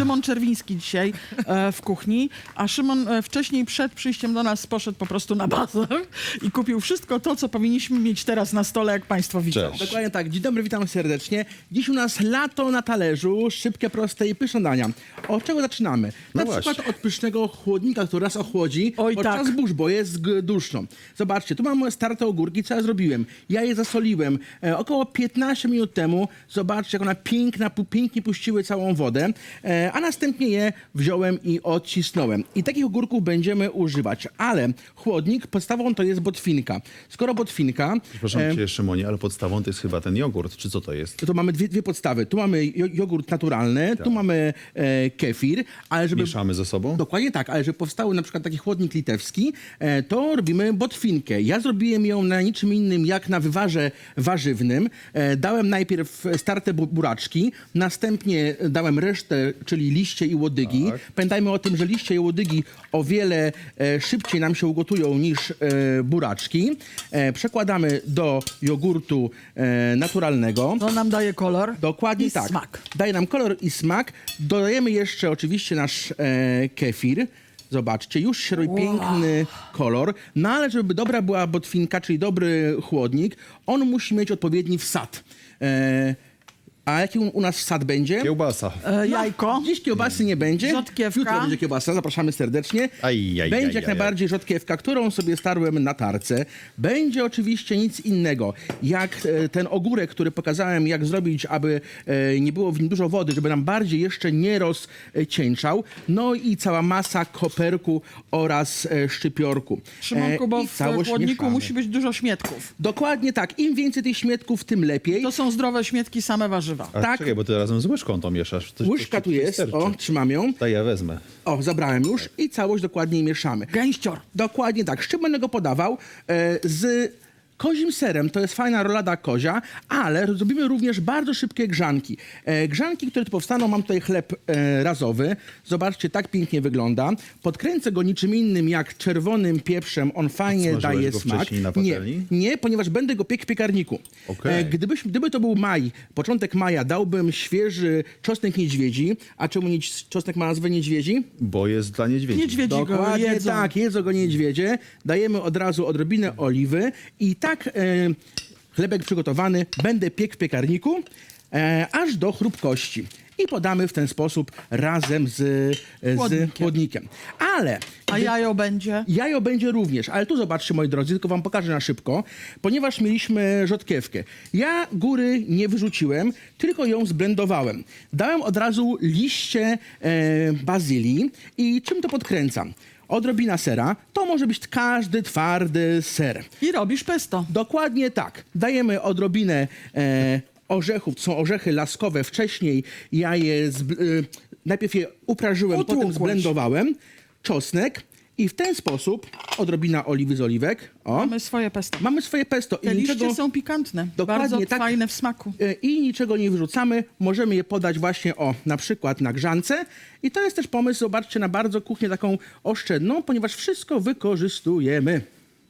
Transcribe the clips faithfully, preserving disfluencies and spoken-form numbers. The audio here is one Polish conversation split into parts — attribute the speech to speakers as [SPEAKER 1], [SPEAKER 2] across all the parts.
[SPEAKER 1] Szymon Czerwiński dzisiaj e, w kuchni, a Szymon e, wcześniej przed przyjściem do nas poszedł po prostu na bazę i kupił wszystko to, co powinniśmy mieć teraz na stole, jak państwo widzą.
[SPEAKER 2] Cześć.
[SPEAKER 3] Dokładnie tak. Dzień dobry, witam serdecznie. Dziś u nas lato na talerzu, szybkie, proste i pyszne dania. Od czego zaczynamy?
[SPEAKER 2] No
[SPEAKER 3] Na
[SPEAKER 2] właśnie.
[SPEAKER 3] przykład od pysznego chłodnika, który nas ochłodzi
[SPEAKER 1] Oj,
[SPEAKER 3] podczas
[SPEAKER 1] tak.
[SPEAKER 3] burz, bo jest g- duszno. Zobaczcie, tu mamy starte ogórki, co ja zrobiłem. Ja je zasoliłem e, około piętnaście minut temu. Zobaczcie, jak one piękna, pu- pięknie puściły całą wodę, e, a następnie je wziąłem i odcisnąłem. I takich ogórków będziemy używać, ale chłodnik podstawą to jest botwinka. Skoro botwinka...
[SPEAKER 2] Przepraszam
[SPEAKER 3] e,
[SPEAKER 2] cię, Szymonie, ale podstawą to jest chyba ten jogurt, czy co to jest?
[SPEAKER 3] to mamy dwie, dwie podstawy. Tu mamy jo- jogurt naturalny, tu mamy e, kefir, ale żeby...
[SPEAKER 2] Mieszamy ze sobą?
[SPEAKER 3] Dokładnie tak, ale żeby powstały na przykład taki chłodnik litewski, e, to robimy botwinkę. Ja zrobiłem ją na niczym innym jak na wywarze warzywnym. E, dałem najpierw starte bu- buraczki, następnie dałem resztę, czyli liście i łodygi.
[SPEAKER 2] Tak.
[SPEAKER 3] Pamiętajmy o tym, że liście i łodygi o wiele e, szybciej nam się ugotują niż e, buraczki. E, przekładamy do jogurtu e, naturalnego.
[SPEAKER 1] To nam daje kolor
[SPEAKER 3] Dokładnie
[SPEAKER 1] i
[SPEAKER 3] tak.
[SPEAKER 1] smak.
[SPEAKER 3] Daje nam kolor i smak. Dodajemy jeszcze oczywiście nasz e, kefir. Zobaczcie, już się robi piękny kolor. No ale żeby dobra była botwinka, czyli dobry chłodnik, on musi mieć odpowiedni wsad. E, a jaki u, u nas wsad będzie?
[SPEAKER 2] Kiełbasa.
[SPEAKER 1] E, jajko.
[SPEAKER 3] Dziś kiełbasy nie będzie.
[SPEAKER 1] Rzodkiewka.
[SPEAKER 3] Jutro będzie kiełbasa, zapraszamy serdecznie.
[SPEAKER 2] Aj, aj,
[SPEAKER 3] będzie
[SPEAKER 2] aj,
[SPEAKER 3] jak
[SPEAKER 2] aj,
[SPEAKER 3] najbardziej rzodkiewka, którą sobie starłem na tarce. Będzie oczywiście nic innego, jak e, ten ogórek, który pokazałem, jak zrobić, aby e, nie było w nim dużo wody, żeby nam bardziej jeszcze nie rozcieńczał. No i cała masa koperku oraz e, szczypiorku.
[SPEAKER 1] Szymonku,
[SPEAKER 3] E,
[SPEAKER 1] bo
[SPEAKER 3] i
[SPEAKER 1] w
[SPEAKER 3] całość
[SPEAKER 1] chłodniku
[SPEAKER 3] mieszamy.
[SPEAKER 1] musi być dużo śmietków.
[SPEAKER 3] Dokładnie tak. Im więcej tych śmietków, tym lepiej.
[SPEAKER 1] To są zdrowe śmietki, same warzywa.
[SPEAKER 2] A
[SPEAKER 3] tak.
[SPEAKER 2] czekaj, bo ty razem z łyżką to mieszasz. To,
[SPEAKER 3] Łyżka
[SPEAKER 2] to,
[SPEAKER 3] tu jest,
[SPEAKER 2] wystarczy.
[SPEAKER 3] o, trzymam ją.
[SPEAKER 2] To ja wezmę.
[SPEAKER 3] O, zabrałem już i całość dokładnie mieszamy.
[SPEAKER 1] Gęścior.
[SPEAKER 3] Dokładnie tak. Z czym będę go podawał? E, z kozim serem. To jest fajna rolada kozia, ale zrobimy również bardzo szybkie grzanki. E, grzanki, które tu powstaną, mam tutaj chleb e, razowy. Zobaczcie, tak pięknie wygląda. Podkręcę go niczym innym jak czerwonym pieprzem. On fajnie
[SPEAKER 2] Smażyłeś
[SPEAKER 3] daje
[SPEAKER 2] go
[SPEAKER 3] smak.
[SPEAKER 2] wcześniej na
[SPEAKER 3] Nie,
[SPEAKER 2] patelni?
[SPEAKER 3] nie, ponieważ będę go piekł w piekarniku.
[SPEAKER 2] Okej.
[SPEAKER 3] gdybyś, gdyby to był maj, początek maja, dałbym świeży czosnek niedźwiedzi. A czemu nie, czosnek ma nazwę niedźwiedzi?
[SPEAKER 2] Bo jest dla niedźwiedzi.
[SPEAKER 1] Niedźwiedzi go
[SPEAKER 3] Dokładnie
[SPEAKER 1] jedzą.
[SPEAKER 3] tak, jedzą go niedźwiedzie. Dajemy od razu odrobinę oliwy i tak e, chlebek przygotowany będę piekł w piekarniku e, aż do chrupkości. I podamy w ten sposób razem z, e, z
[SPEAKER 1] Chłodnikiem.
[SPEAKER 3] chłodnikiem. Ale
[SPEAKER 1] A jajo będzie?
[SPEAKER 3] jajo będzie również, ale tu zobaczcie, moi drodzy, tylko wam pokażę na szybko, ponieważ mieliśmy rzodkiewkę. Ja góry nie wyrzuciłem, tylko ją zblendowałem. Dałem od razu liście e, bazylii i czym to podkręcam? Odrobina sera, to może być każdy twardy ser.
[SPEAKER 1] I robisz pesto.
[SPEAKER 3] Dokładnie tak. Dajemy odrobinę e, orzechów, to są orzechy laskowe. Wcześniej ja je, zb, e, najpierw je uprażyłem, potem
[SPEAKER 1] Utłukłeś.
[SPEAKER 3] zblendowałem. Czosnek i w ten sposób odrobina oliwy z oliwek. O,
[SPEAKER 1] Mamy swoje pesto.
[SPEAKER 3] mamy swoje pesto
[SPEAKER 1] Te
[SPEAKER 3] i
[SPEAKER 1] liście
[SPEAKER 3] niczego,
[SPEAKER 1] są pikantne.
[SPEAKER 3] Dokładnie
[SPEAKER 1] Bardzo
[SPEAKER 3] tak.
[SPEAKER 1] fajne w smaku.
[SPEAKER 3] e, i niczego nie wyrzucamy. Możemy je podać właśnie o, na przykład na grzance. I to jest też pomysł, zobaczcie, na bardzo kuchnię taką oszczędną, ponieważ wszystko wykorzystujemy.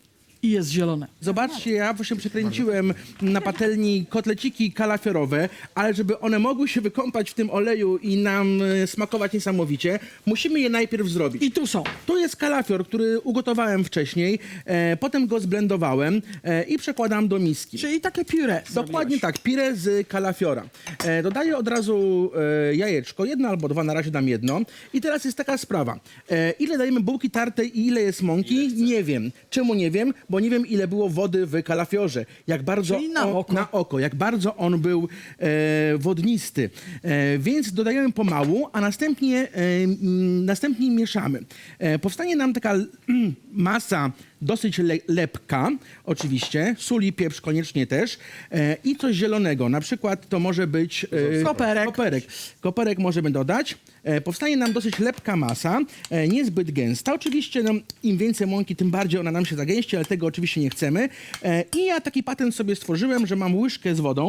[SPEAKER 1] I jest zielone.
[SPEAKER 3] Zobaczcie, ja właśnie przekręciłem na patelni kotleciki kalafiorowe, ale żeby one mogły się wykąpać w tym oleju i nam e, smakować niesamowicie, musimy je najpierw zrobić.
[SPEAKER 1] I tu są.
[SPEAKER 3] Tu jest kalafior, który ugotowałem wcześniej, e, potem go zblendowałem e, i przekładam do miski.
[SPEAKER 1] Czyli takie puree.
[SPEAKER 3] Dokładnie tak, pire z kalafiora. E, dodaję od razu e, jajeczko, jedno albo dwa, na razie dam jedno. I teraz jest taka sprawa. E, ile dajemy bułki tartej i ile jest mąki? Nie wiem. Czemu nie wiem? Bo nie wiem, ile było wody w kalafiorze. Jak bardzo
[SPEAKER 1] Czyli na
[SPEAKER 3] on,
[SPEAKER 1] oko.
[SPEAKER 3] na oko, jak bardzo on był e, wodnisty. E, więc dodajemy pomału, a następnie, e, m, następnie mieszamy. E, powstanie nam taka mm, masa dosyć le lepka, oczywiście, sól i pieprz koniecznie też e, i coś zielonego, na przykład to może być e,
[SPEAKER 1] Koperek.
[SPEAKER 3] koperek. Koperek możemy dodać. E, powstanie nam dosyć lepka masa, e, niezbyt gęsta. Oczywiście no, im więcej mąki, tym bardziej ona nam się zagęści, ale tego oczywiście nie chcemy. E, I ja taki patent sobie stworzyłem, że mam łyżkę z wodą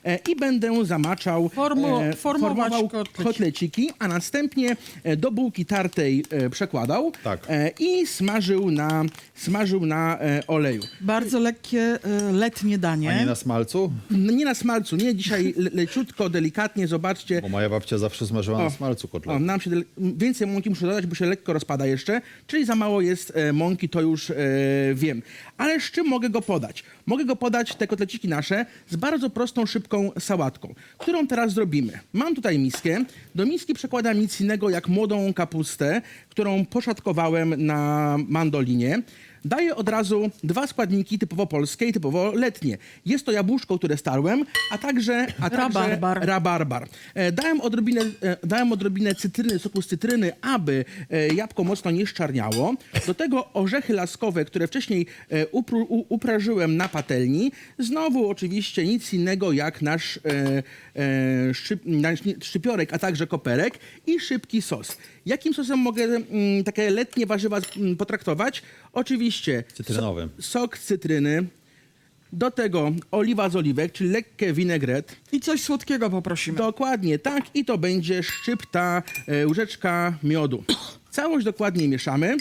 [SPEAKER 3] e, i będę zamaczał,
[SPEAKER 1] Formu- formować
[SPEAKER 3] formował
[SPEAKER 1] kotleciki.
[SPEAKER 3] kotleciki, a następnie e, do bułki tartej e, przekładał
[SPEAKER 2] Tak.
[SPEAKER 3] e, i smażył na, smażył na e, oleju.
[SPEAKER 1] Bardzo lekkie, e, letnie danie.
[SPEAKER 2] A nie na smalcu?
[SPEAKER 3] No, nie na smalcu, nie, dzisiaj le, leciutko, delikatnie, zobaczcie.
[SPEAKER 2] Bo moja babcia zawsze smażyła na smalcu
[SPEAKER 3] O,
[SPEAKER 2] kotlet.
[SPEAKER 3] nam się dele- więcej mąki muszę dodać, bo się lekko rozpada jeszcze, czyli za mało jest e, mąki, to już e, wiem. Ale z czym mogę go podać? Mogę go podać, te kotleciki nasze, z bardzo prostą, szybką sałatką, którą teraz zrobimy. Mam tutaj miskę, do miski przekładam nic innego jak młodą kapustę, którą poszatkowałem na mandolinie. Daję od razu dwa składniki typowo polskie i typowo letnie. Jest to jabłuszko, które starłem, a także, a także
[SPEAKER 1] Rabarbar.
[SPEAKER 3] rabarbar. E, dałem, odrobinę, e, dałem odrobinę cytryny, soku z cytryny, aby e, jabłko mocno nie szczarniało. Do tego orzechy laskowe, które wcześniej e, upru, u, uprażyłem na patelni. Znowu oczywiście nic innego jak nasz, e, e, szyp, nasz szczypiorek, a także koperek i szybki sos. Jakim sosem mogę mm, takie letnie warzywa mm, potraktować? Oczywiście
[SPEAKER 2] Cytrynowym.
[SPEAKER 3] so, sok z cytryny, do tego oliwa z oliwek, czyli lekkie vinaigrette.
[SPEAKER 1] I coś słodkiego poprosimy.
[SPEAKER 3] Dokładnie tak i to będzie szczypta, e, łyżeczka miodu. Całość dokładnie mieszamy.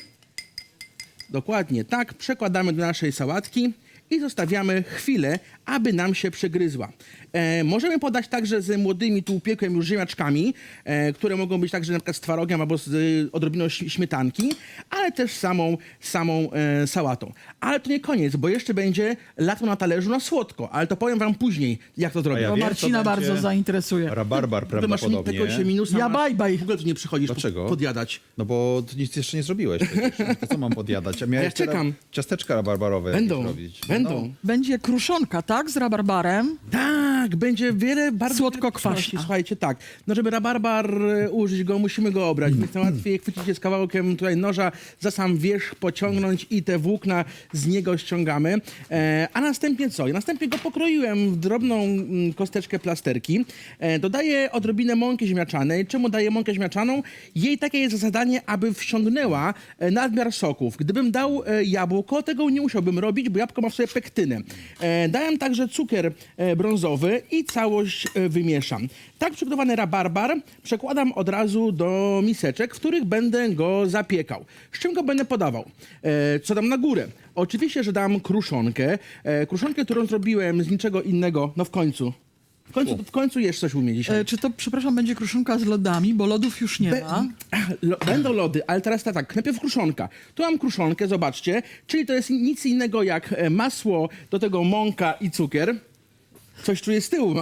[SPEAKER 3] Dokładnie tak, przekładamy do naszej sałatki i zostawiamy chwilę, aby nam się przegryzła. E, możemy podać także z młodymi, tu upiekłem już ziemniaczkami, e, które mogą być także na przykład z twarogiem albo z e, odrobiną ś- śmietanki, ale też samą, samą e, sałatą. Ale to nie koniec, bo jeszcze będzie lato na talerzu na słodko, ale to powiem wam później, jak to zrobić.
[SPEAKER 2] ja
[SPEAKER 1] Bo
[SPEAKER 2] wiem,
[SPEAKER 1] Marcina
[SPEAKER 2] to będzie
[SPEAKER 1] bardzo zainteresuje.
[SPEAKER 2] Rabarbar
[SPEAKER 3] Ty masz mi-
[SPEAKER 2] prawdopodobnie.
[SPEAKER 3] tego się minusa.
[SPEAKER 1] Ja
[SPEAKER 3] masz.
[SPEAKER 1] baj, baj.
[SPEAKER 3] W ogóle tu nie przychodzisz
[SPEAKER 2] Dlaczego?
[SPEAKER 3] podjadać.
[SPEAKER 2] No bo ty nic jeszcze nie zrobiłeś przecież. To co mam podjadać? A miałeś
[SPEAKER 3] ja czekam.
[SPEAKER 2] teraz ciasteczka rabarbarowe
[SPEAKER 3] Będą,
[SPEAKER 2] jakieś robić.
[SPEAKER 3] będą.
[SPEAKER 2] No.
[SPEAKER 1] Będzie kruszonka, tak? Z rabarbarem.
[SPEAKER 3] Tak, będzie wiele bardzo...
[SPEAKER 1] Słodko-kwaśna.
[SPEAKER 3] wiele przenosi. Słuchajcie, tak. No żeby rabarbar e, użyć go, musimy go obrać. Więc łatwiej chwycić się z kawałkiem tutaj noża, za sam wierzch pociągnąć i te włókna z niego ściągamy. E, a następnie co? Ja następnie go pokroiłem w drobną mm, kosteczkę plasterki. E, dodaję odrobinę mąki ziemniaczanej. Czemu daję mąkę ziemniaczaną? Jej takie jest zadanie, aby wsiągnęła e, nadmiar soków. Gdybym dał e, jabłko, tego nie musiałbym robić, bo jabłko ma w sobie pektynę. E, dałem także cukier e, brązowy i całość e, wymieszam. Tak przygotowany rabarbar przekładam od razu do miseczek, w których będę go zapiekał. Z czym go będę podawał? E, co dam na górę? Oczywiście, że dam kruszonkę. E, kruszonkę, którą zrobiłem z niczego innego, no w końcu. W końcu, w końcu jesz coś u mnie dzisiaj.
[SPEAKER 1] E, czy to, przepraszam, będzie kruszonka z lodami, bo lodów już nie
[SPEAKER 3] Be-
[SPEAKER 1] ma.
[SPEAKER 3] Lo, będą lody, ale teraz tak, tak, najpierw kruszonka. Tu mam kruszonkę, zobaczcie, czyli to jest nic innego jak e, masło, do tego mąka i cukier. Coś czuję z tyłu.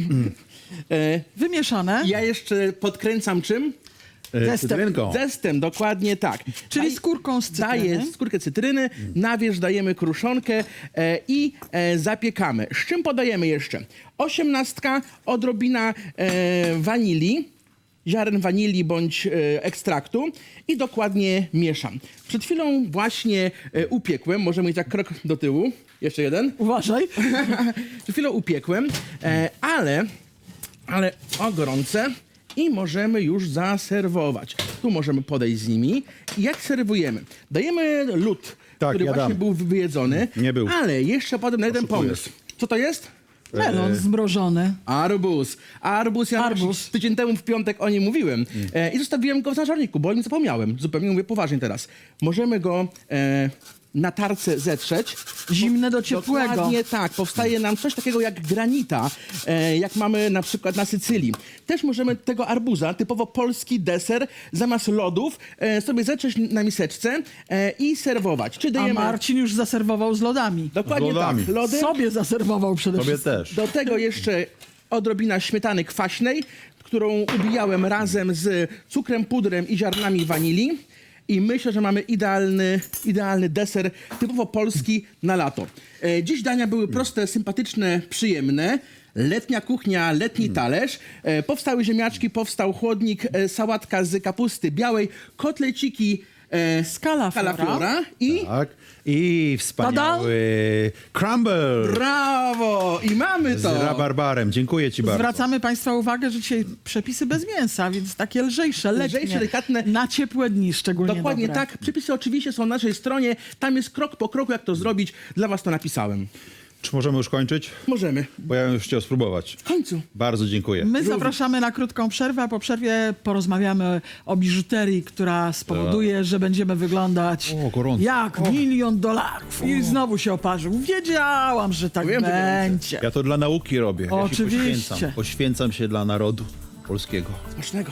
[SPEAKER 3] e,
[SPEAKER 1] Wymieszane.
[SPEAKER 3] ja jeszcze podkręcam czym?
[SPEAKER 2] E,
[SPEAKER 1] Zestem.
[SPEAKER 2] Cytrynką.
[SPEAKER 3] Zestem, dokładnie tak.
[SPEAKER 1] Czyli
[SPEAKER 3] Daj-
[SPEAKER 1] skórką z cytryny.
[SPEAKER 3] Daję skórkę cytryny, na wierzch dajemy kruszonkę e, i e, zapiekamy. Z czym podajemy jeszcze? Osiemnastka, odrobina e, wanilii, ziaren wanilii bądź e, ekstraktu i dokładnie mieszam. Przed chwilą właśnie e, upiekłem, możemy iść tak krok do tyłu. Jeszcze jeden.
[SPEAKER 1] Uważaj.
[SPEAKER 3] Przed chwilą upiekłem, e, ale, ale o gorące i możemy już zaserwować. Tu możemy podejść z nimi. I jak serwujemy? Dajemy lód,
[SPEAKER 2] Tak,
[SPEAKER 3] który
[SPEAKER 2] ja
[SPEAKER 3] właśnie
[SPEAKER 2] dam.
[SPEAKER 3] był wyjedzony.
[SPEAKER 2] Nie był.
[SPEAKER 3] Ale jeszcze potem na jeden
[SPEAKER 2] Oszukujesz.
[SPEAKER 3] pomysł. Co to jest?
[SPEAKER 1] Melon zmrożony.
[SPEAKER 3] Arbuz. Arbuz, ja
[SPEAKER 1] Arbuz.
[SPEAKER 3] tydzień temu w piątek o nim mówiłem. E, I zostawiłem go w zażarniku, bo o nim zapomniałem. Zupełnie mówię poważnie teraz. Możemy go e, na tarce zetrzeć.
[SPEAKER 1] Zimne do ciepłego.
[SPEAKER 3] Dokładnie tak. Powstaje nam coś takiego jak granita, e, jak mamy na przykład na Sycylii. Też możemy tego arbuza, typowo polski deser, zamiast lodów e, sobie zetrzeć na miseczce e, i serwować. Czy
[SPEAKER 1] A
[SPEAKER 3] dajemy...
[SPEAKER 1] Marcin już zaserwował z lodami.
[SPEAKER 3] Dokładnie
[SPEAKER 2] Z lodami.
[SPEAKER 3] tak. Lody.
[SPEAKER 1] Sobie zaserwował przede
[SPEAKER 2] Tobie
[SPEAKER 1] wszystkim.
[SPEAKER 2] też.
[SPEAKER 3] Do tego jeszcze odrobina śmietany kwaśnej, którą ubijałem razem z cukrem, pudrem i ziarnami wanilii. I myślę, że mamy idealny, idealny deser, typowo polski na lato. E, dziś dania były proste, sympatyczne, przyjemne. Letnia kuchnia, letni talerz. E, powstały ziemniaczki, powstał chłodnik, e, sałatka z kapusty białej, kotleciki e, z
[SPEAKER 1] Calaflora.
[SPEAKER 3] calaflora i...
[SPEAKER 2] Tak. I wspaniały crumble
[SPEAKER 3] Brawo! I mamy
[SPEAKER 2] z
[SPEAKER 3] to!
[SPEAKER 2] rabarbarem. Dziękuję ci bardzo.
[SPEAKER 1] Zwracamy Państwa uwagę, że dzisiaj przepisy bez mięsa, więc takie lżejsze, letnie,
[SPEAKER 3] Lżejsze, delikatne.
[SPEAKER 1] na ciepłe dni szczególnie
[SPEAKER 3] Dokładnie
[SPEAKER 1] dobre.
[SPEAKER 3] tak. Przepisy oczywiście są na naszej stronie. Tam jest krok po kroku, jak to zrobić. Dla was to napisałem.
[SPEAKER 2] Czy możemy już kończyć?
[SPEAKER 3] Możemy.
[SPEAKER 2] Bo ja bym już chciał spróbować.
[SPEAKER 3] W końcu.
[SPEAKER 2] Bardzo dziękuję.
[SPEAKER 1] My zapraszamy na krótką przerwę, a po przerwie porozmawiamy o biżuterii, która spowoduje, że będziemy wyglądać
[SPEAKER 2] O, gorąco.
[SPEAKER 1] jak milion dolarów. I znowu się oparzył. Wiedziałam, że tak
[SPEAKER 3] Wiem, że
[SPEAKER 1] będzie.
[SPEAKER 2] Ja to dla nauki robię. Ja się
[SPEAKER 1] Oczywiście.
[SPEAKER 2] poświęcam. Poświęcam się dla narodu polskiego.
[SPEAKER 3] Smacznego.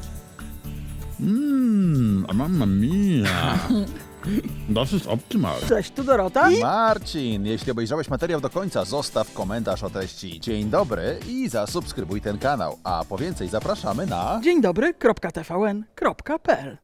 [SPEAKER 2] Mmm, mamma mia. Dosyć optymalne.
[SPEAKER 1] Cześć, tu Dorota.
[SPEAKER 4] Marcin, jeśli obejrzałeś materiał do końca, zostaw komentarz o treści dzień dobry i zasubskrybuj ten kanał. A po więcej zapraszamy na...
[SPEAKER 1] Dzień dobry, kropka t v n kropka p l